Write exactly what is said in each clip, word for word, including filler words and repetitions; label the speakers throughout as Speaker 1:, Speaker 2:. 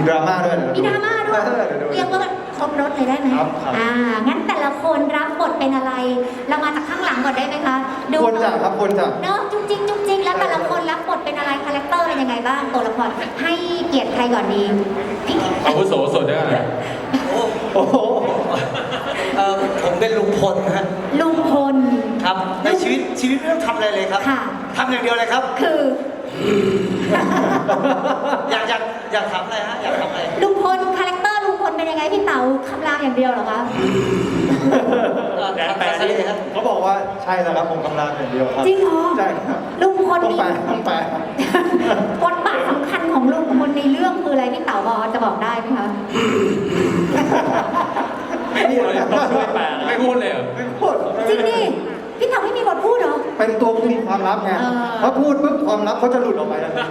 Speaker 1: ดราม่าด้วย
Speaker 2: มีดราม่าด้วยเรียกว่าครบรถเลยได้ไหมอ่างั้นแต่ละคนรับบทเป็นอะไรเรามาจากข้างหลังก่อนได้ไหมคะดู
Speaker 1: คนจักครับคนจัก
Speaker 2: เนาะจุ๊งจิ๊งจุ๊งจิ๊งแล้วแต่ละคนรับบทเป็นอะไรคาแรคเตอร์เป็นยังไงบ้างตัวละครให้เกียรติใครก่อนดี
Speaker 3: อาวุโสสุดได้ไหม
Speaker 1: โอ้โห
Speaker 4: เออผมเป็นลุงพลฮะ
Speaker 2: ลุงพล
Speaker 4: ครับในชีวิตชีวิตไม่ต้องทำอะไรเลยครับทำอย่างเดียวเลยครับ
Speaker 2: คือ
Speaker 4: อยากอยากอยากทำอะไรฮะอยากทำอะไร
Speaker 2: ลุงพลคาแรคเตอร์ลุงพลเป็นยังไงพี่เต๋าคำรามอย่างเดียวเหรอคะ
Speaker 4: แปลอะไรครับ
Speaker 1: เขาบอกว่าใช่แล้วครับผมคำรามอย่างเดียวครับ
Speaker 2: จริงเหรอ
Speaker 1: ใช่ครับ
Speaker 2: ลุงพล
Speaker 1: ต้องแปลต้องแปล
Speaker 2: บทบาทสำคัญของลุงพลในเรื่องคืออะไรพี่เต๋าบอกจะบอกได้ไหมคะ
Speaker 3: ไม่พูดเลยไม่พูดเลยเหรอ
Speaker 1: ไม่พูด
Speaker 2: จริงดิพี่เต๋าไม่มีบทพูดเหรอ
Speaker 1: เป็นตัวคุมความลับไงเพราะพูดปุ๊บความลับเขาจะหลุดออกไปแล้ว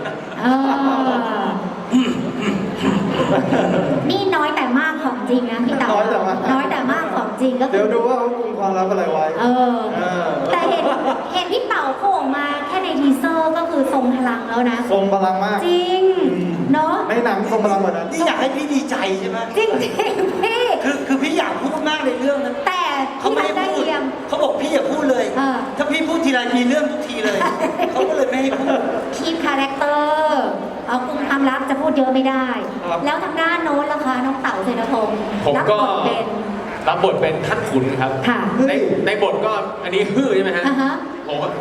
Speaker 2: นี่น้อยแต่มากของจริงนะพี่เต๋าน้อยแต่มากน้อยแต่มากของจริงก็
Speaker 1: เดี๋ยวดูว่าเขาคุมความลับอะไรไว้
Speaker 2: เออแต่เห็นเห็นพี่เต๋าโผล่มาแค่ในทีเซอร์ก็คือทรงพลังแล้วนะ
Speaker 1: ทรงพลังมาก
Speaker 2: จริงเนาะ
Speaker 1: ในหนังทรงพลังกว่านั้น
Speaker 4: นี่อยากให้พี่ดีใจใช่ไหม
Speaker 2: จริงจริงพี่
Speaker 4: คือคือพี่อยากพูดมากในเรื่องนั้น
Speaker 2: แต่
Speaker 4: เขาไม่ให้พูดเขาบอกพี่อย่าพูดเลยถ้าพี่พูดทีไรมีเรื่องทุกทีเลยเขาก็เลยไม่ให้พูด
Speaker 2: คีปคาแรคเตอร์เอาคุมความลับจะพูดเยอะไม่ได้แล้วทางด้านโน้นล่ะคะน้องเต๋าเสนาพงศ์
Speaker 3: ผมก็รับบทเป็นท่านขุนครับในในบทก็อันนี้ฮือใช่ไหมฮะผมว่า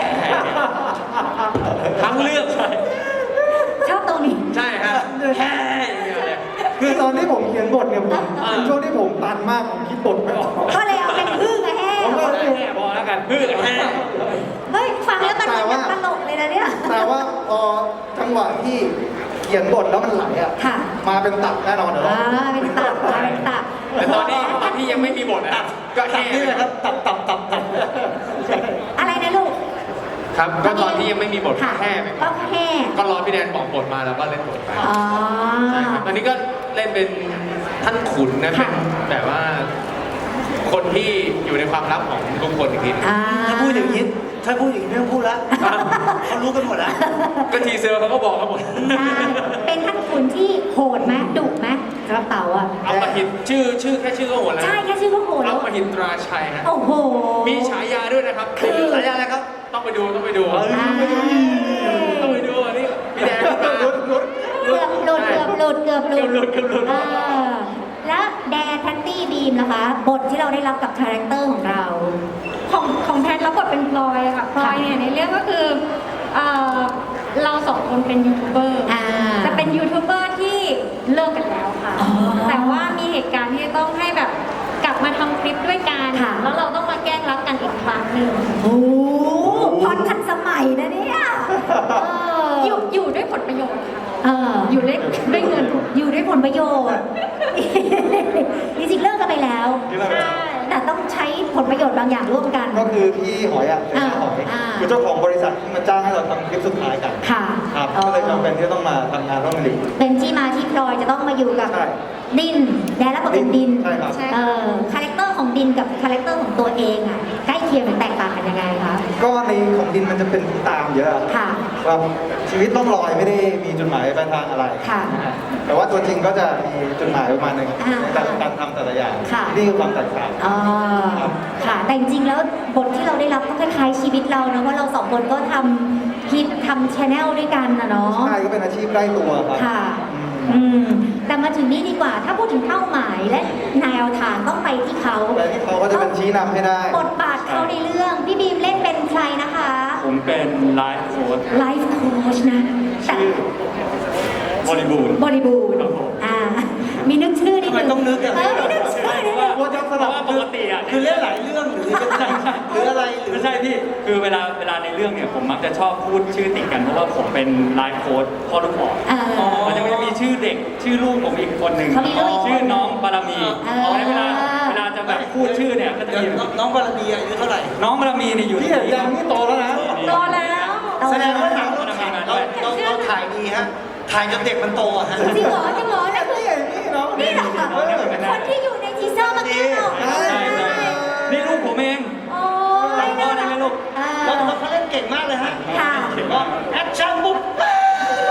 Speaker 3: ทั้งเรื่อง
Speaker 2: ชอบตรงนี้
Speaker 3: ใช่ฮะ
Speaker 1: คือตอนที่ผมเขียนบทเนี่ยผมเป็นช่วงที่ผมตันมากผมคิดบทไม่ออก
Speaker 2: ก็เลยเอาเป็นฮือกับแห่
Speaker 1: ผมก็
Speaker 3: แห่พอแล้วกันฮือกับแห่
Speaker 2: เฮ้ยฟังแล้วมันเป็นตลกเลยนะเนี่ย
Speaker 1: แต่ว่าพอจังหวะที่เขียนบทแล้วมันไหลอ่ะมาเป็นตับแน่นอนเหรอ
Speaker 2: เป็นตับมาเป็นตับ
Speaker 3: แต่ตอนนี้ตอนที่ยังไม่มีบทนะก็แห่
Speaker 4: นี่แหละครับตับตับตับตับ
Speaker 2: อะไรนะลูก
Speaker 3: ครับก็ตอนที่ยังไม่มีบทแห่ไป
Speaker 2: ก็แห่
Speaker 3: ก็รอพี่แดนบอกบทมาแล้วก็เล่นบทไปใช่ครับอันนี้ก็เล่นเป็นท่านขุนนะเป็นแบบว่าคนที่อยู่ในความลับของทุกคนอีกที
Speaker 4: ถ้าพูดอย่างนี้ถ้าพูดอย่างนี้ไม่ต้องพูดแล้วเขารู้กันหมดแล้ว
Speaker 3: ก็ทีเซอร์เขาก็บอกกันหมด
Speaker 2: เป็นท่านขุนที่โหดไหมดุไหมกระเป๋าอ่ะ
Speaker 3: เอามาหินชื่อชื่อแค่ชื่อก็โหดแล้ว
Speaker 2: ใช่แค่ชื่อก็โหดแล้ว
Speaker 3: เอามาหินตราชัยฮะ
Speaker 2: โอ้โห
Speaker 3: มีฉายาด้วยนะครับคือ
Speaker 4: ฉายาอะไรครับ
Speaker 3: ต้องไปดูต้องไปดูต้องไปดูอันนี้พี่แดงหลุดหลุด
Speaker 2: เกือบหลุดเกือบหลุดเกือบหลุด
Speaker 3: เกือบหลุดเกือบหลุด
Speaker 2: แล้วแดนแพตตี้บีมนะคะบทที่เราได้รับกับคาแรคเตอร์ของเรา
Speaker 5: ของของแพทรับบทเป็นพลอยค่ะพลอยเนี่ยในเรื่องก็คือเราสองคนเป็นยูทูบเบอร์จะเป็นยูทูบเบอร์ที่เลิกกันแล้วค่ะแต่ว่ามีเหตุการณ์ที่ต้องให้แบบกลับมาทำคลิปด้วยกันแล้วเราต้องมาแกล้งรักกันอีกครั้งหนึ่ง
Speaker 2: โอ้พอดทันสมัยนะเนี่ย
Speaker 5: อยู่อยู่ด้วยผลประโยชน์ค่ะ
Speaker 2: อยู่ด้วยด้วยเงินอยู่ด้วยผลประโยชน์จริงๆเลิกกันไปแล้วแต่ต้องใช้ผลประโยชน์บางอย่างร่วมกัน
Speaker 1: ก็คือพี่หอยอ่ะเป็นหอยคือเจ้าของบริษัทที่มาจ้างให้เราทำคลิปสุดท้ายกัน
Speaker 2: ค่ะ
Speaker 1: ครับก็เลยจำเป็นที่ต้องมาทำงานร่วมกัน
Speaker 2: เป็นที่มาที่พลอยจะต้องมาอยู่กับดินแดนและบทเป็นดิน
Speaker 1: ใช่ครับ
Speaker 2: คาแรคเตอร์ของดินกับคาแรคเตอร์ของตัวเองอ่ะใกล้เคียงหรือแตกต่างกันยังไงคะ
Speaker 1: ก็ในของดินมันจะเป็นตามเยอะ
Speaker 2: ค่ะ
Speaker 1: ว่าชีวิตต้องลอยไม่ได้มีจุดหมายปลายทางอะไร
Speaker 2: ค่ะ
Speaker 1: แต่ว่าตัวจริงก็จะมีจุดหมายประมาณนึงในการทำแต่ละอย่างนี่คือความแตกต่าง
Speaker 2: อ๋อค่ะแต่จริงๆแล้วบทที่เราได้รับก็คล้ายๆชีวิตเรานะว่าเราสองคนก็ทำคลิปทำชาแนลด้วยกันนะเนาะ
Speaker 1: ใช่ก็เป็นอาชีพใกล้ตัวครับ
Speaker 2: ค่ะอืมแต่มาถึงนี้ดีกว่าถ้าพูดถึงเป้าหมายและแนวทางต้องไปที่เขา
Speaker 1: ไปที่เขาก็จะเป็นชี้นำให้ได้
Speaker 2: บทบาทเขาในเรื่องพี่บีมเล่นเป็นใครนะคะ
Speaker 3: ผมเป็นไลฟ์โค้ช
Speaker 2: ไลฟ์โค้ชนะ
Speaker 3: ชื่อบริบูรณ์
Speaker 2: บริบูรณ์อ่ามีนึกชื่อนิดนึง
Speaker 4: ต้องนึกอะ
Speaker 2: มีนึกชื่อนิดนึง
Speaker 4: ว่าจะสลับปกติอ่ะคือเล่นหลายเรื่องหรือหรืออะไรหรือ
Speaker 3: ไม่ใช่พี่คือเวลาเวลาในเรื่องเนี่ยผมมักจะชอบพูดชื่อติดกันเพราะว่าผมเป็นไลฟ์โค้ชพ่อลูกอ่อนมันจะไม่มีชื่อเด็กชื่อลูกผมอีกคนหนึ่งชื่อน้องบารมีเอาไว้เวลาเวลาจะแบบพูดชื่อเนี่ยก็จะมี
Speaker 4: น้องบารมีอายุเท่าไหร่
Speaker 3: น้องบารมีเนี่ยอยู่
Speaker 1: ที่ยังนี่โตแล้วนะ
Speaker 5: โตแล้ว
Speaker 4: แสดงว่าหนังเราถ่ายเราถ่ายดีฮะถ่ายจนเด็กมันโตอะฮะ
Speaker 2: จริงเหรอจริงเหรอเนี่ยคือนี่เหรอนี่เหรอคนที่อยู่ในทีเซอร์เมื่อกี้เหรอ
Speaker 3: ใช่ใช่นี่ลูกผมเอง
Speaker 2: โอ้
Speaker 3: ยจำพ่อได้ไหมลูก
Speaker 4: แล้วเขาเล่นเก่งมากเลยฮะ
Speaker 2: ค่ะ
Speaker 4: ก็แอคชั่นปุ๊บ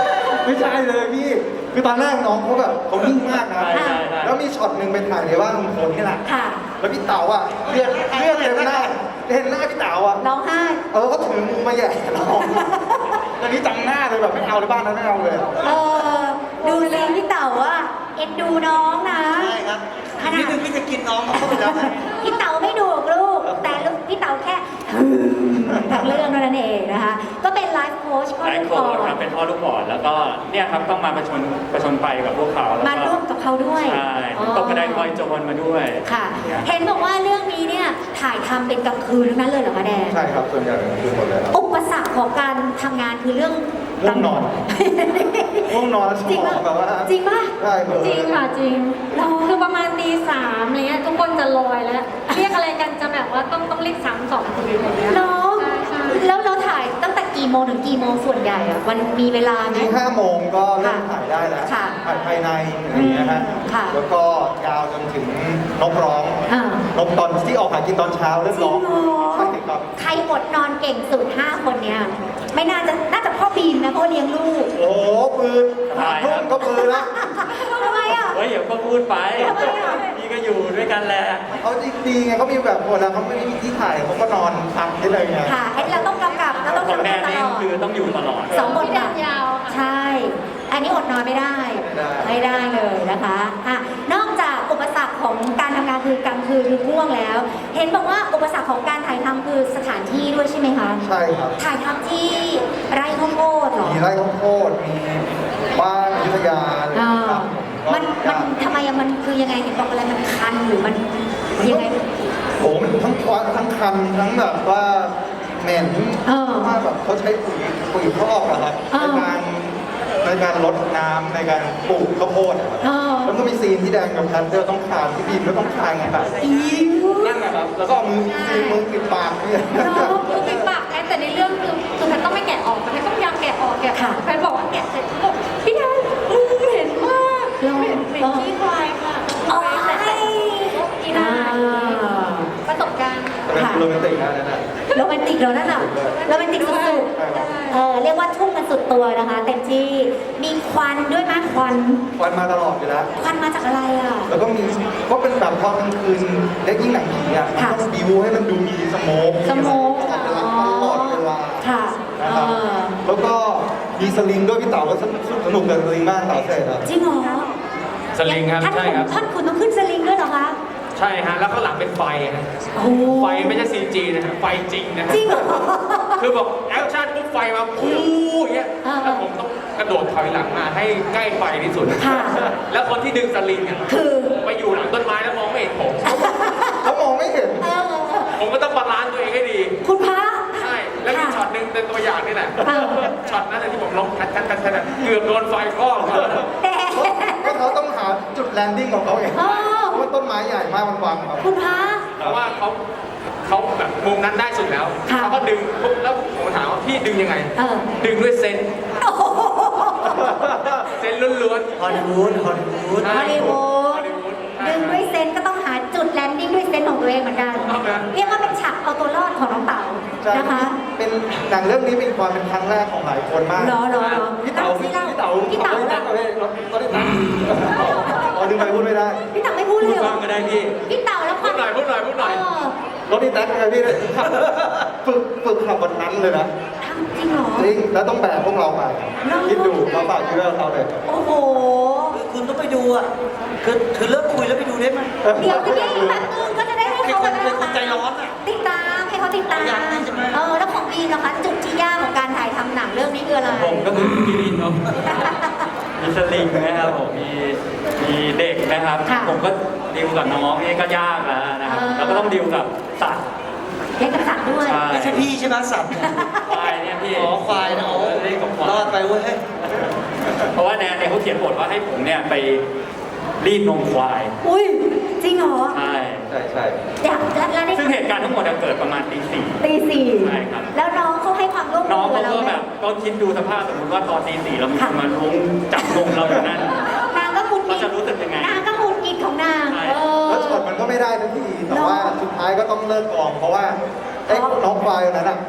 Speaker 1: ไม่ใช่เลยพี่ คือตอนแรกน้องเขาแบบเขานิ่งมากนะ
Speaker 3: ใช่ใช่ใช่
Speaker 1: แล้วมีช็อตหนึ่งเป็นถ่ายในบ้านลุงพลนี่แหละ
Speaker 2: ค่ะ
Speaker 1: แล้วพี่เต๋าอ่ะเลือดเลือดเต็มหน้าเห็นหน้าพี่เต๋าอ่ะ
Speaker 2: ร้องไห้
Speaker 1: เออก็ถือมือมาแหย่เราตอนนี้จำหน้าเลยแบบไม่เอาเลยบ้านนั้นไม่เอาเลย
Speaker 2: เออดูสิพี่เต๋าอะเอ็นดูน้องนะ
Speaker 4: ใช่ครับอีกนิดนึงพี่จะกินน้องเขาไปแล้วนะ
Speaker 2: พี่เต๋าไม่ดุลูก แต่ลูกพี่เต๋าแค่ทั้งเรื่องเท่านั้นเองนะคะ ก็เป็นไลฟ์โค้ชก็
Speaker 3: ไล
Speaker 2: ลู
Speaker 3: ฟ์
Speaker 2: ก
Speaker 3: โค้
Speaker 2: บอ
Speaker 3: ช
Speaker 2: ล
Speaker 3: ครับเป็นพ่อลูกบอลแล้วก็เนี่ยครับต้องมาประชนประชนไปกับพวกเขาแล้ว
Speaker 2: มา
Speaker 3: ก็
Speaker 2: ร่วมกับเขาด้วย
Speaker 3: ใช่ตกกระไดพลอยโจรมาด้วย
Speaker 2: ค่ะ เห็นบอกว่าเรื่องนี้เนี่ยถ่ายทำเป็นกลางคืนทั้งนั้นเลยเหรอคะแดน
Speaker 1: ใช่ครับส่วนใหญ่เป็นคือหมดเลยครับ
Speaker 2: อุปสรรคของการทำงานคือเรื่อง
Speaker 1: ง่วงนอน ง่วงนอนแล้วส
Speaker 2: จริง
Speaker 1: มอ
Speaker 2: ป่ะ
Speaker 1: งแบบว่า
Speaker 2: จริงป่ะ
Speaker 1: ใช่เบลอ
Speaker 5: จริงค่ะจริง
Speaker 2: หรอ
Speaker 5: คือประมาณตีสามอะไรเงี้ยทุกคนจะลอยแล้ว เรียกอะไรกันจะแบบว่าต้องต้องเรียกสามสองคนอะไรเงี้ย
Speaker 2: เนาะ
Speaker 5: ใช่ใช่
Speaker 2: แล้วเราถ่ายตั้งแต่กี่โมงถึงกี่โมงส่วนใหญ่อะมันมีเวลาไหม
Speaker 1: ที่ห้าโมงก็เริ่มถ่ายได้แล้ว
Speaker 2: ค่ะ
Speaker 1: ถ่ายภายในอะไรอย่างเงี้ยฮะ
Speaker 2: ค่ะ
Speaker 1: แล้วก็ยาวจนถึงนกร้อง
Speaker 2: อ่าน
Speaker 1: กตอนที่ออกหากินตอนเช้าเริ่มร้อง
Speaker 2: จริงเหรอ
Speaker 1: ใช่ครับ
Speaker 2: ใครอดนอนเก่งสุดห้าคนเนี่ยไม่น่าจะน่าจะพ่อบีมนะเพราะเลี้ยงลูก
Speaker 1: โอ้โหปืน
Speaker 3: ถ่ายค
Speaker 1: ทุ่
Speaker 3: รับ
Speaker 1: มก็ปืนแล้ว
Speaker 2: ทำไมอ่ะ
Speaker 3: เฮ้ยเดี๋ยวก็พูดไป
Speaker 2: ทำไมอ่ะ
Speaker 3: พี่ก็อยู่ด้วยกันแหละ
Speaker 1: เขาดีไงเขามีแบบคนแล้วเขาไม่มีที่ถ่ายเขาก็นอนพักได้เลยไง
Speaker 2: ค่ะไอ้เราต้องกำกับเราต้อง
Speaker 3: ของ
Speaker 2: ทำ
Speaker 3: แด
Speaker 2: งาน
Speaker 3: น
Speaker 2: ต
Speaker 3: นี่
Speaker 2: ลอด
Speaker 3: คือต้องอยู่ตลอด
Speaker 2: สองบท
Speaker 5: พี่แด
Speaker 2: บาท
Speaker 5: นยาวค่ะ
Speaker 2: ใช่ อันนี้อดนอนไม่ได้ ไม่ได้เลยนะคะอ่ะนอกจากอุปสรรคของการทำงานคือกลางคืนคือง่วงแล้ว เห็นบอกว่าอุปสรรคของการถ่ายทำคือสถานที่ด้วยใช่ไหมคะ
Speaker 1: ใช่ครับ
Speaker 2: ถ่ายทำที่ไร่ข้าวโพดเหรอ
Speaker 1: มีไร่ข้าวโพดมีบ้านอยุธยาอะไรอย่าง
Speaker 2: อ่า
Speaker 1: เงี้ยครับ
Speaker 2: มันมันทำไมอะมันคือยังไงเห็นบอกอะไรมันคันหรือมันยังไง
Speaker 1: โอ้โหมันทั้งควันทั้งคันทั้งแบบว่าเหม็น
Speaker 2: เออ
Speaker 1: ว่าแบบเขาใช้ปุ๋ยปุ๋ยคอกอะครับ
Speaker 2: เอ
Speaker 1: ใน
Speaker 2: อ
Speaker 1: การในการลดน้ำในการปลูกข้าวโพดอะครับ
Speaker 2: เออ
Speaker 1: แล้วก็มีซีนที่แดงกับแพนเตอร์ต้องคานที่บีมก็ต้องคานไงแบบนั่นนะครับแล้วก็เอามือซีนมือปิดปากเนี่ย
Speaker 5: คือปิดปากแพทแต่ในเรื่องคือคือแพทต้องไม่แกะออกแพทต้องพยายามแกะออกแกะอ
Speaker 2: ค่ะ
Speaker 5: อกแพทบอกว่าแกะเสร็จเขาบอกพี่แดนมือเหม็นมาก
Speaker 2: เหรอ
Speaker 5: เหม็นเหม็นขี้ควายค่ะ
Speaker 2: อ๋อ
Speaker 5: แต่แต่กินได้ประสบการณ์
Speaker 1: แต่เป็นโรแมนติกนะนั่นน่ะ
Speaker 2: โรแมนติกแล้วนั่นอ่ะโรแมนติกสุด
Speaker 1: ใช่ครับ
Speaker 2: ๆเออเรียกว่าทุ่มกันสุดตัวนะคะเต็มที่มีควันด้วยไหมควัน
Speaker 1: ควันมาตลอดอยู่แล้ว
Speaker 2: ควันมาจากอะไรอ่ะ
Speaker 1: แล้วก็มีก็เป็นแบบตอนกลางคืนเล็กยิ่งหนังผีอ่ะมัน
Speaker 2: ค่ะ
Speaker 1: ต้องบิวให้มันดูมีสโมก
Speaker 2: สโมก
Speaker 1: ตลอดเวลา
Speaker 2: ค่ะ
Speaker 1: นะครับ
Speaker 2: เออ
Speaker 1: แล้วก็มีสลิงด้วยพี่เต๋าก็สนุกสนุกกับสลิงมากเต๋าเสร็จอ่ะ
Speaker 2: จริงเหรอ
Speaker 6: สลิงครับ
Speaker 2: ท่าน
Speaker 6: ใช่ครับ
Speaker 2: ท่านคุณต้องขึ้นสลิงด้วยเหรอคะ
Speaker 6: ใช่ฮะแล้วข้างหลังเป็นไฟฮะ
Speaker 2: โอ้
Speaker 6: ไฟไม่ใช่ ซี จี นะฮะไฟจริงนะฮะ
Speaker 2: จริงเหรอ
Speaker 6: คือบอกแอคชั่นปุ๊บไฟมาพูอย่างเงี้ย
Speaker 2: อ่า
Speaker 6: แล้วผมต้องกระโดดถอยหลังมาให้ใกล้ไฟที่สุด
Speaker 2: ค่ะ
Speaker 6: แล้วคนที่ดึงสลิงอ่ะ
Speaker 2: คือ
Speaker 6: ไปอยู่หลังต้นไม้แล้วมองไม่เห็นผม
Speaker 1: เขามองไม่เห็น
Speaker 2: เออ
Speaker 6: ผมก็ต้องบาลานซ์ตัวเองให้ดี
Speaker 2: คุณพระ
Speaker 6: ใช่ แล้วมี
Speaker 2: ค่ะ
Speaker 6: ช็อตหนึ่งเป็นตัวอย่างนี่แหละ
Speaker 2: เออ
Speaker 6: ช็อตนั้นนะที่ผมลงคัดคัดคัดคัดอะเกือบโดนไฟคลอกมาแล้วนะ
Speaker 2: แต่
Speaker 1: ก็เขาต้องหาจุดแลนดิ้งของเขาเอง
Speaker 2: เออ
Speaker 1: เพราะว่าต้นไม้ใหญ่มากมันบังครับ
Speaker 2: คุณพระ
Speaker 6: แต่ว่าเขาเขาแบบมุมนั้นได้สุดแล้ว
Speaker 2: ค่ะ
Speaker 6: เขาก็ดึงปุ๊บแล้วผมถามว่าพี่ดึงยังไง
Speaker 2: เออ
Speaker 6: ดึงด้วยเซนส์
Speaker 2: โอ้โห
Speaker 6: เซนส์ล้วนๆ
Speaker 4: ฮอลลีวูดฮอลลีวูด
Speaker 2: ฮอลลีวูด
Speaker 6: ฮอลลีวูด
Speaker 2: ดึงด้วยเซนส์ก็ต้องหาจุดแลนดิ้งด้วยเซนส์ของตัวเองเหมือนกัน
Speaker 6: เอาไหม
Speaker 2: เรียกว่าเป็นฉากเอาตัวรอดของน้องเต๋า
Speaker 1: ใช่
Speaker 2: นะคะ
Speaker 1: เป็นหนังเรื่องนี้เป็นความเป็นครั้งแรกของหลายคนมาก
Speaker 2: รอรอรอ
Speaker 1: พี่เต๋าพี่
Speaker 2: พี่เต๋า
Speaker 1: พี่เต๋า
Speaker 2: พี่เต๋า
Speaker 1: เขาได้ตังค์เขาได้ตังค์อ๋อดึงไปพูดไม่ได้
Speaker 2: พี่เต๋าไม่พูดเล
Speaker 3: พูด
Speaker 2: ยเหร
Speaker 3: บ้า
Speaker 2: อง
Speaker 3: ก็ได้พี่
Speaker 2: พี่เต๋าแล้วค
Speaker 6: พู
Speaker 2: วาม
Speaker 6: ดหน่อยพูดหน่อยพูดหน่อย
Speaker 2: เออ
Speaker 1: รถนี่แท็กไงพี่ฝึกฝึกขับวันนั้นเลยนะ
Speaker 2: ทำจริงเหรอ
Speaker 1: จริงแล้วต้องแบกพวกเราไปคิดดูมาฝากชีวิตเราเลย
Speaker 2: โอ้โห
Speaker 4: คือคุณต้องไปดูอ่ะ คือคือเลิกคุยแล้วไปดูได้ไหม
Speaker 2: เดี๋ยวพี่แป๊บนึงก็จะได้ให้เขา
Speaker 4: เป็นคนเป็นคนใจร้อนอะ
Speaker 2: ติดตามให้เขาติดตาม
Speaker 4: อยากให้ใช่ไหม
Speaker 2: เออแล้วของบีมนะคะจุดที่ยากของการถ่ายทำหนังเรื่องนี้คืออะไร
Speaker 3: ผมก็คือพี่ลินเนาะมีสลิงนะครับผมมีมีเด็กนะครับ
Speaker 2: ค่ะ
Speaker 3: ผมก็ดิวกับน้องนี่ก็ยากแล้วนะครับ
Speaker 2: เออ
Speaker 3: แล้วก็ต้องดิวกับสัตว์
Speaker 2: เล่นกระสับด้วย
Speaker 3: ใช่
Speaker 4: ไม่ใช่พี่ใช่ไหมสัตว์
Speaker 3: ควายเนี่ยพี่
Speaker 4: อ๋อควายนะโอ้
Speaker 3: เล่นกับควาย
Speaker 4: รอดไปเว้ย
Speaker 3: เพราะว่าแนนเนี่ยเขาเขียนบทว่าให้ผมเนี่ยไปรีดนมควาย
Speaker 2: อุ้ยจริงเหรอ
Speaker 3: ใช่
Speaker 1: ใช่ใช่
Speaker 2: อยากแล้วแล้วได้
Speaker 3: ซึ่งเหตุการณ์ทั้งหมดเนี่ยเกิดประมาณตีสี่
Speaker 2: ตีสี่
Speaker 3: ใช่ครับ
Speaker 2: แล้วน้องเขาให้ความร่วม
Speaker 3: น้
Speaker 2: มื
Speaker 3: อง
Speaker 2: อกั
Speaker 3: เขา
Speaker 2: บเรา
Speaker 3: ก็
Speaker 2: ไหม
Speaker 3: แบบก็คิดดูสภาพสมมติว่าตอนตีสี่เรามี
Speaker 2: ค่ะ
Speaker 3: คนมาล้วงจับนมเราอยู่นั่น
Speaker 2: นางก็หงุดหงิด
Speaker 3: เขาจะรู้สึกยังไง
Speaker 2: นางก็หงุดหงิดของนาง
Speaker 3: ใช่
Speaker 2: เออ
Speaker 1: แล้วช็อตมันก็ไม่ได้ทันทีแต่ว่าสุดท้ายก็ต้องเลิกกองเพราะว่าไอ้น้องควายนั้นอ่ะ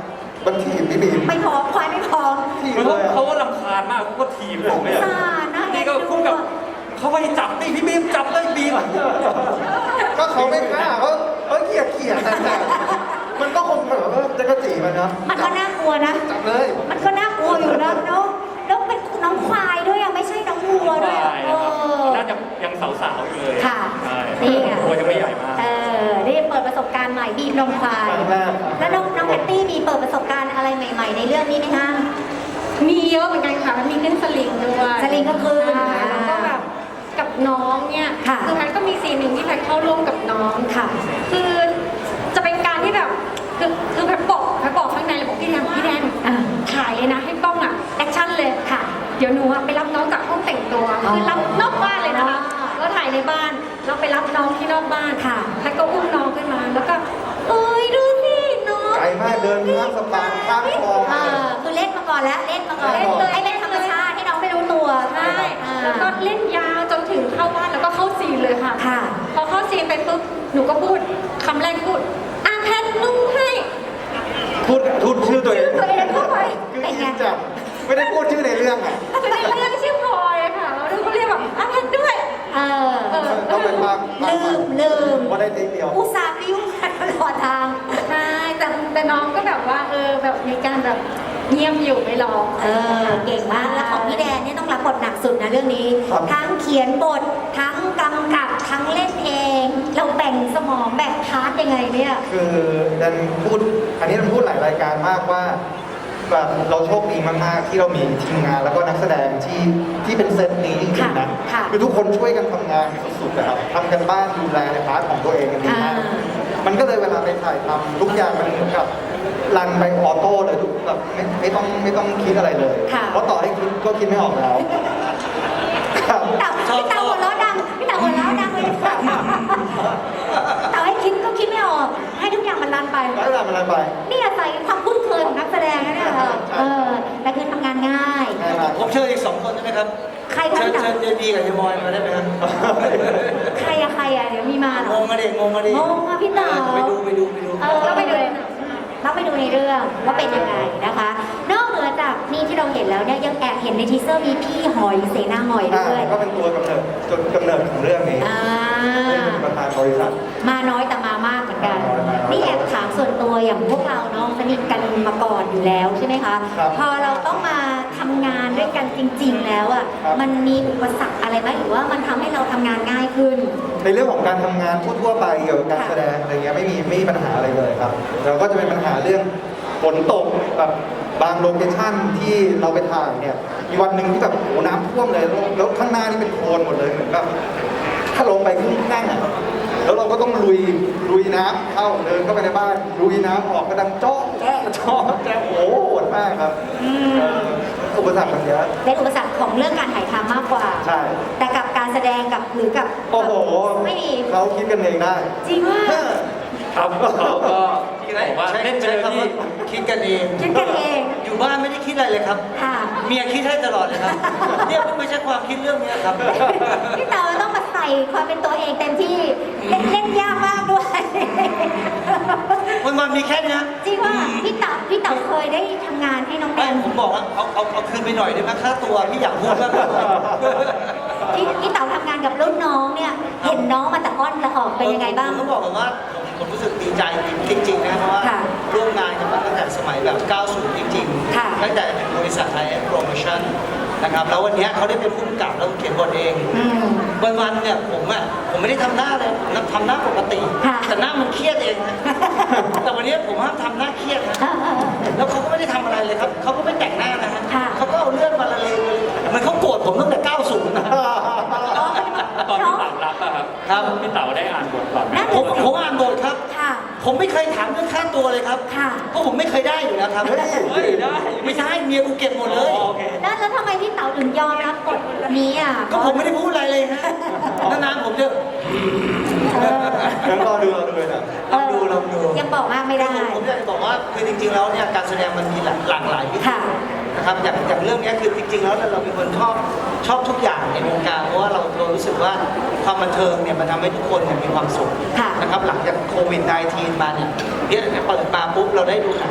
Speaker 1: มันถีบพี่บีม
Speaker 2: ไม่พอควายไม่พอ
Speaker 1: ถีบ
Speaker 3: มัน
Speaker 1: เล
Speaker 3: ก็
Speaker 1: ยอะ
Speaker 3: เขาก็รำคาญมากเขาก็ทีบผมเลย
Speaker 2: สงสารนะ
Speaker 3: นี่ก็คู่กับเขาไปจับนี่พี่บีมจับเลยบีม
Speaker 1: ก็เขาไม่กล้าเขาเขาเกลียดเกลียดแต่แต่มันก็คงแบบว่าจะกระจีมันนะ
Speaker 2: มันก็น่ากลัวนะ
Speaker 1: จับเลย
Speaker 2: มันก็น่ากลัวอยู่นะเนาะแล้วเป็นน้องควายด้วยอะไม่ใช่น้องวัวด้วยอะ
Speaker 3: ใช่
Speaker 2: เอ
Speaker 3: ครับ
Speaker 2: อ
Speaker 3: น่าจะยังสาวๆอยู่เลย
Speaker 2: ค่ะ
Speaker 3: ใช่
Speaker 2: นี่ไง
Speaker 3: ตัวยังไม่ใหญ่มาก
Speaker 2: เออนี่เปิดประสบการณ์ใหม่บีบนมควาย
Speaker 1: ครั้งแรก
Speaker 2: แล้วน้องน้องแพตตี้มีเปิดประสบการณ์อะไรใหม่ ๆ ในเรื่องนี้ไหมคะ
Speaker 5: มีเยอะเหมือนกันค่ะมันมีขึ้นสลิงด้วย
Speaker 2: สลิงก็ขึ้น
Speaker 5: ใช่แล้วก็แบบกับน้องเนี่ย
Speaker 2: ค่ะ
Speaker 5: อแพทย์ก็มีซีนหนึ่งที่แพทย์เข้าร่วมกับน้อง
Speaker 2: ค่ะ
Speaker 5: คือจะเป็นการที่แบบคือคือแพทย์บอกแพทย์บอกข้างในเลยบอกพี่แดนพี่แดน
Speaker 2: อ่า
Speaker 5: ถ่ายเลยนะให้กล้องอ่ะแอคชั่นเลย
Speaker 2: ค่ะ
Speaker 5: เดี๋ยวหนูอะไปรับน้องจากห้องแต่งตัว
Speaker 2: อ๋อ
Speaker 5: คือรับนอกบ้านเลยนะคะ
Speaker 2: อ๋อ
Speaker 5: แล้วถ่ายในบ้านเราไปรับน้องที่นอกบ้าน
Speaker 2: ค่ะ
Speaker 5: แพทย์ก็อุ้มน้องขึ้นมาแล้วก็เอ้ยดูสิน้อง
Speaker 1: ไกลมากเดินข้ามสะพานข้ามคลอง
Speaker 2: เออคือเล่นมาก่อนแล้วเล่นมาก่อน
Speaker 1: เล่นเลย
Speaker 2: ให้เป็นธรรมชาติให้น้องไม่รู้ตัว
Speaker 5: ใช่
Speaker 2: อ่า
Speaker 5: แล้วก็เล่นยาวจนถึงเข้าบ้านแล้วก็เข้าซีนเลยค่ะ
Speaker 2: ค่ะ
Speaker 5: พอเข้าซีนไปปุ๊บ หนูก็พูดคำแรกพูดอ่ะแพทนุ่งให้
Speaker 1: พูดพูดชื่อตัวเอง
Speaker 2: ตัวเองเข้าไป
Speaker 1: คือ
Speaker 2: เป็น
Speaker 1: อิ
Speaker 2: ไง
Speaker 1: นจับไม่ได้พูดชื่อในเรื่องอ่ะ
Speaker 5: คือในเรื่องชื่อพลอยอะค่ะแล้วหนูก็เรียกแบบอ่ะแพทด้วย
Speaker 2: เออ
Speaker 5: เออ
Speaker 1: ต้องเป็นภาคภาค
Speaker 2: ลืมลืม
Speaker 1: ว่าได้เทคเดียว
Speaker 2: อุตส่าห์บิ้วกันตลอดทาง
Speaker 5: ใช่แต่แต่น้องก็แบบว่าเออแบบมีการแบบเงียบอยู่ไม่ร้อง
Speaker 2: เออ เก่งมาก แล้วของพี่แดนเนี่ยต้องรับบทหนักสุดนะเรื่องนี้
Speaker 1: ครับ
Speaker 2: ทั้งเขียนบท ทั้งกำกับ ทั้งเล่นเอง เราแบ่งสมองแบ่งพาร์ทยังไงเนี่ย
Speaker 1: คือดันพูดอันนี้มันพูดหลายรายการมากว่าแบบเราโชคดีมากๆที่เรามีทีมงานแล้วก็นักแสดงที่ที่เป็นเซตนี้จริงๆนะ
Speaker 2: ค่ะ
Speaker 1: คือทุกคนช่วยกันทำงานสุดๆนะครับทำกันบ้านดูแลในพาร์ทของตัวเองกันดีมาก
Speaker 2: อ่า
Speaker 1: มันก็เลยเวลาไปถ่ายทำทุกอย่างมันเหมือนกับรันไปออโต้เลยทุกแบบไม่ไม่ต้องไม่ต้องคิดอะไรเลย
Speaker 2: ค่ะ
Speaker 1: เพราะต่อให้คิดก็คิดไม่ออกแล้วครับ
Speaker 2: พี่เต่าพี่เต่าหัวเราะดังพี่เต่าหัวเราะดังเลยเต่าให้คิดก็คิดไม่ออก ให้ทุกอย่างมันรันไป
Speaker 1: แล้วเวลามันอะไรไป
Speaker 2: นี่อาศัยความคุ้นเคยของนักแสดงนะเนี่ยเออแต่คือทำงานง่าย
Speaker 1: ง่ายมาก
Speaker 4: ผมเชิญอีกสองคนได้ไหมครับ
Speaker 2: ใครคะ
Speaker 4: เชิญ
Speaker 2: พี่เต่า
Speaker 4: เชิญเจดีกับเจมอยมาได้ไหมครับ
Speaker 2: ใครอะใครอะเดี๋ยวมีมาเหรง อง
Speaker 4: มาดิงงมาดิ
Speaker 2: งงอะพี่เต๋า
Speaker 4: ไปดูไปดูไปดู
Speaker 2: เออต้องไปดูต้องไปดูในเรื่องว่าเป็นยังไงนะคะ นอกเหนือจากนี่ที่เราเห็นแล้วเนี่ยยังแอบเห็นในทีเซอร์มีพี่หอยเสนาหอย
Speaker 1: อ่า
Speaker 2: ด้วย
Speaker 1: ก็เป็นตัวกำเนิดจนกำเนิดของเรื่องนี้
Speaker 2: อ่า
Speaker 1: เป็นประธานบริษัท
Speaker 2: มาน้อยแต่มามากเหมือนกัน นี่แอบถามส่วนตัวอย่างพวกเราเนาะสนิทกันมาก่อนอยู่แล้วใช่ไหมคะ
Speaker 1: ครับ
Speaker 2: พอเราต้องมาทำงานด้วยกันจริง ๆ แล้วอ่ะ
Speaker 1: ครับ
Speaker 2: มันมีอุปสรรคอะไรไหมหรือว่ามันทำให้เราทำงานง่ายขึ้น
Speaker 1: ในเรื่องของการทำงานทั่วๆไปเกี่ยวกับการแสดงอะไรเงี้ยไม่มีไม่มีปัญหาอะไรเลยครับเราก็จะเป็นปัญหาเรื่องฝนตกแบบบางโลเคชั่นที่เราไปถ่ายเนี่ยมีวันหนึ่งที่แบบโอ้น้ำท่วมเลยแล้วแล้วข้างหน้านี่เป็นโคลนหมดเลยเหมือนแบบถ้าลงไปครึ่งนั่งอ่ะแล้วเราก็ต้องลุยลุยน้ำเข้าเดินเข้าไปในบ้านลุยน้ำออกกระดังโจ๊ะแจ๊ะโจ๊ะแจ๊ะโอ้โหโหดมากครับเอ่ออุปสรรคมันเยอะ
Speaker 2: เป็นอุปสรรคของเรื่องการถ่ายทำมากกว่า
Speaker 1: ใช่
Speaker 2: แต่กับการแสดงกับหรือกับ
Speaker 1: โอ้โห
Speaker 2: ไม่มี
Speaker 1: เขาคิดกันเองได้
Speaker 2: จริงว่า
Speaker 3: ครับเขาก็บอกว่า
Speaker 4: ใช้
Speaker 3: เล่นไป
Speaker 4: ใช้
Speaker 3: เลย
Speaker 4: คำ
Speaker 3: พี่
Speaker 4: ว่าคิดกันเอง
Speaker 2: คิดกันเอง
Speaker 4: อยู่บ้านไม่ได้คิดอะไรเลยครับ
Speaker 2: ค่ะ
Speaker 4: เมียคิดให้ตลอดเลยครับ เนี่ยเพิ่งไม่ใช่ความคิดเรื่องเนี้ยครับ
Speaker 2: พี่เต๋อต้องมาใส่ความเป็นตัวเองเต็มที่เล่นเล่นยากมากด้วย
Speaker 4: วันวันๆมีแค่เนี้ย
Speaker 2: จริงว่าพี่เต๋อพี่เต๋อเคยได้ทำงานให้น้องแด
Speaker 4: ไม่
Speaker 2: น
Speaker 4: ผมบอกว่าเอาเอาเอาคืนไปหน่อยได้ไหมค่าตัวพี่อยากพูดมากเลย
Speaker 2: พี่พี่เต๋อทำงานกับรุ่นน้องเนี่ยเห็นน้องมาแต่อ้อนแต่ออกเป็นยังไงบ้าง
Speaker 4: ผมต้องบอกก่อนว่าผมผมรู้สึกดีใจจริงๆนะเพราะว่า
Speaker 2: ค่ะ
Speaker 4: ร่วมงานกันมาตั้งแต่สมัยแบบ เก้าสิบ จริง
Speaker 2: ค่ะ
Speaker 4: ๆ ตั้งแต่เป็นบริษัทไทยแอนด์โปรโมชั่นนะครับ แล้ววันเนี้ยเขาได้เป็นผู้กำกับแล้วเขียนบทเอง
Speaker 2: อืม
Speaker 4: วันๆเนี่ยผมอ่ะผมไม่ได้ทำหน้าเลยผมทำหน้าปกติ
Speaker 2: ค่ะ
Speaker 4: แต่หน้ามันเครียดเองนะ แต่วันนี้ผมห้ามทำหน้าเครียดนะ
Speaker 2: เออเออเออ
Speaker 4: แล้วเขาก็ไม่ได้ทำอะไรเลยครับเขาก็ไม่แต่งหน้านะฮะ
Speaker 2: ค่ะ
Speaker 4: เขาก็เอาเรื่องมาละเลงเลยเหมันเขาโกรธผมตั้งแต่ เก้าสิบ นะ
Speaker 3: ตอนพี่เต๋ารับอะครับ
Speaker 4: ครับ
Speaker 3: พี่เต๋าได้อ่านบทก่อนไหม
Speaker 2: นั่น
Speaker 4: ผมผมอ่านบทครับ
Speaker 2: ค่ะ
Speaker 4: ผมไม่เคยถามเรื่องค่าตัวเลยครับ
Speaker 2: ค่ะ
Speaker 4: เพราะผมไม่เคยได้อยู่แล้วครับ
Speaker 1: เฮ้ย
Speaker 3: เฮ้ยได้
Speaker 4: ไม่ใช่เมียกูเก็บหมดเลย
Speaker 3: อ๋อโอเค
Speaker 2: แล้วแล้วทำไมพี่เต๋อถึงยอมรับบทนี้อ่ะ
Speaker 4: ก็ผมไม่ได้พูดอะไรเลยฮะนานๆผมจะ
Speaker 2: เออ
Speaker 1: งั้นรอดูรอดูเลยนะ
Speaker 4: ลองดูลองดู
Speaker 2: ยังบอกมากไม่ได้
Speaker 4: ผมผมอยากจะบอกว่าคือจริงๆแล้วเนี่ยการแสดงมันมีหลากหลากหลายวิธี
Speaker 2: ค่ะ
Speaker 4: นะครับอย่างอย่างเรื่องเนี้ยคือจริงๆแล้วเราเป็นคนชอบชอบทุกอย่างในวงการเพราะว่าเราเรารู้สึกว่าความบันเทิงเนี่ยมันทำให้ทุกคนเนี่ยมีความสุข
Speaker 2: ค่ะ
Speaker 4: นะครับหลังจากโควิด สิบเก้า มาเนี่ยเนี่ยเปิดมาปุ๊บเราได้ดูหนัง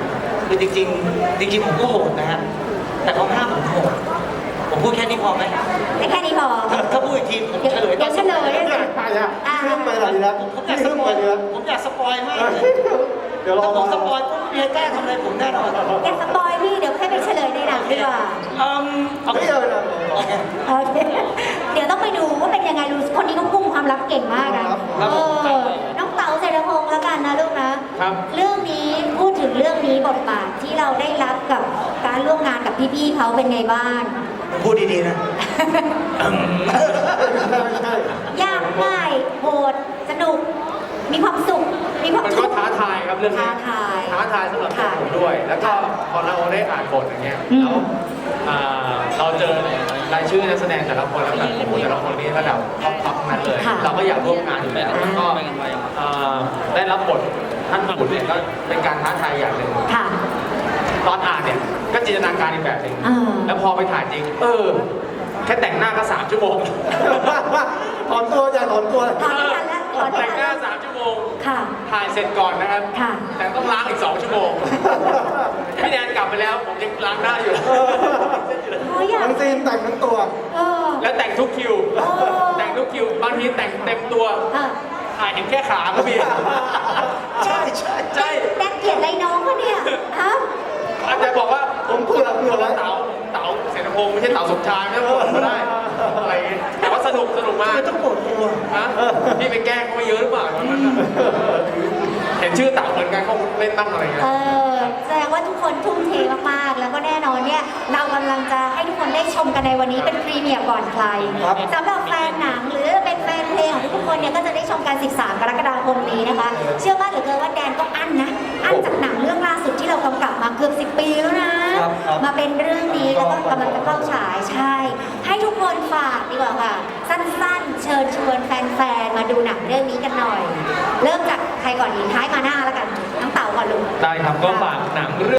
Speaker 4: คือจริงๆจริงๆผมก็โหดนะฮะแต่เขาห้ามผมโหดผมพูดแค่นี้พอไหม
Speaker 2: แต่แค่นี้พอ
Speaker 4: ถ้าถ้าพูดอีกทีผม
Speaker 2: เดี๋ยว
Speaker 4: เฉลย
Speaker 2: เดี๋ยวเฉลยด้วยสิ
Speaker 1: ใช่อะ
Speaker 2: อ่า
Speaker 1: เรื่องไปหน่อยดีแล้ว
Speaker 4: ผมอยากส
Speaker 1: เรื่อง
Speaker 4: ป
Speaker 1: ไป
Speaker 4: อย
Speaker 1: ดีแล้ว
Speaker 4: ผมอยากสปอยมากเลย
Speaker 1: เดี๋ยวรอ
Speaker 4: ถ้าผม
Speaker 1: มา
Speaker 4: สปอยปุ๊บเมียกล้าทำอะไรผมแน่นอน
Speaker 2: แกสปอยพี่เดี๋ยวให้ไปเฉลยในหนังดีกว่า
Speaker 4: อืมโอ
Speaker 1: เฮ้
Speaker 4: เค
Speaker 1: ยเอาเลย
Speaker 4: โอเค
Speaker 2: โอเคเดี๋ยวต้องไปดูว่าเป็นยังไงดูคนนี้เขากุ้งความลับเก่งมากนะ
Speaker 1: ครับ
Speaker 2: เออน้องเต๋าเศรษฐพงศ์แล้วกันนะลูกนะครับ เรื่องนี้พูดถึงเรื่องนี้บทบาทที่เราได้รับกับการร่วมงานกับพี่ๆเขาเป็นไงบ้าง
Speaker 4: พูดดีๆนะ
Speaker 1: ไม่ใช่ไม่ใช่
Speaker 2: ยากง่ายโหดสนุก มีความสุข มีความ
Speaker 6: มัน
Speaker 2: ทุ
Speaker 6: ก็
Speaker 2: กข์
Speaker 6: ท้าทายครับเรื่องนี้
Speaker 2: ท้าทาย
Speaker 6: ท้าทายสำหรับตัวผมด้วย แล้วก็พอเราได้อ่านบทอย่างเงี้ย
Speaker 2: อืม
Speaker 6: แล้วอ่าเราเจอรายชื่อนักแสดงแต่ละคนแล้วแบบโอ้โหแต่ละคนนี้ระดับท็อปท็อปนั้นเลย
Speaker 2: ค่ะ
Speaker 6: เราก็อยากร่วมงานอยู่แล้วแล้วก็อ่าได้รับบทท่านขุนเนี่ยก็เป็นการท้าทายอย่างหนึ่ง
Speaker 2: ค่ะ
Speaker 6: ตอนอ่านเนี่ยก็จินตนาการอีกแบบหนึ่ง
Speaker 2: อ่า
Speaker 6: แล้วพอไปถ่ายจริง เออ แค่แต่งหน้าก็สามชั่วโมง
Speaker 1: ถอนตัวอย่าถอนตัว
Speaker 2: ถอนไม่ทันแล้วถอนไม่
Speaker 6: แต่ง
Speaker 2: ทัน
Speaker 6: หน้า
Speaker 2: แล้ว
Speaker 6: สามชั่วโมง
Speaker 2: ค่ะ
Speaker 6: ถ่ายเสร็จก่อนนะครับ
Speaker 2: ค่ะ
Speaker 6: แต่ต้องล้างอีกสองชั่วโมง พี่แดนกลับไปแล้ว ผมยังล้างหน้าอยู่
Speaker 2: โอ้ยอยาก
Speaker 1: ทั้งซีนแต่งทั้งตัว
Speaker 2: เออ
Speaker 6: แล้วแต่งทุกคิว
Speaker 2: โอ้
Speaker 6: แต่งทุกคิว บางทีแต่งเต็มตัว
Speaker 2: อ่ะ
Speaker 6: ถ่ายเห็นแค่ขาก็มี
Speaker 4: ใช่ใช่
Speaker 6: ใช่
Speaker 2: แดนเกลียดอะไรน้องวะเนี่ยฮะ
Speaker 6: อาจจะบอกว่า
Speaker 1: ผมเผื่อเผื่อไว้
Speaker 6: เต๋าเต๋าเสรพงศ์ไม่ใช่เต๋าสมชายไม่ต้องบ่นก็ได้อะไรอย่างเงี้ยแต่ว่าสนุกสนุกมาก
Speaker 4: ไม่ต้องปวดตัว
Speaker 6: ฮะพี่ไปแกล้งเขาไม่เยอะหรือเปล่าวันนั้นน่ะเห็นชื่อเต๋าเหมือนกันเขาเล่นตั้งอะไรเงี้ย
Speaker 2: เออแสดงว่าทุกคนทุ่มเทมากๆ แล้วก็แน่นอนเนี่ย เรากำลังจะให้ทุกคนได้ชมกันในวันนี้เป็นพรีเมียร์ก่อนใคร
Speaker 1: ครับ
Speaker 2: สำหรับแฟนหนังหรือเป็นแฟนเพลงของทุกคนเนี่ยก็จะได้ชมกันสิบสามกรกฎาคมนี้นะคะ เชื่อว่าเหลือเกินว่าแดนก็อั้นนะ อั้นจากหนังเรื่องล่าสุดที่เรากำกับมาเกือบสิบปีแล้วนะ
Speaker 1: ครับครับ
Speaker 2: มาเป็นเรื่องนี้แล้วก็กำลังจะเข้าฉายใช่ ให้ทุกคนฝากดีกว่าค่ะ สั้นๆ เชิญชวนแฟนๆ มาดูหนังเรื่องนี้กันหน่อย เริ่มจากใครก่อนดีท้ายมาหน้าแล้วกันน้องเต๋าก่อนลูก
Speaker 6: ได้ครับก็ฝากหนังเรื่อง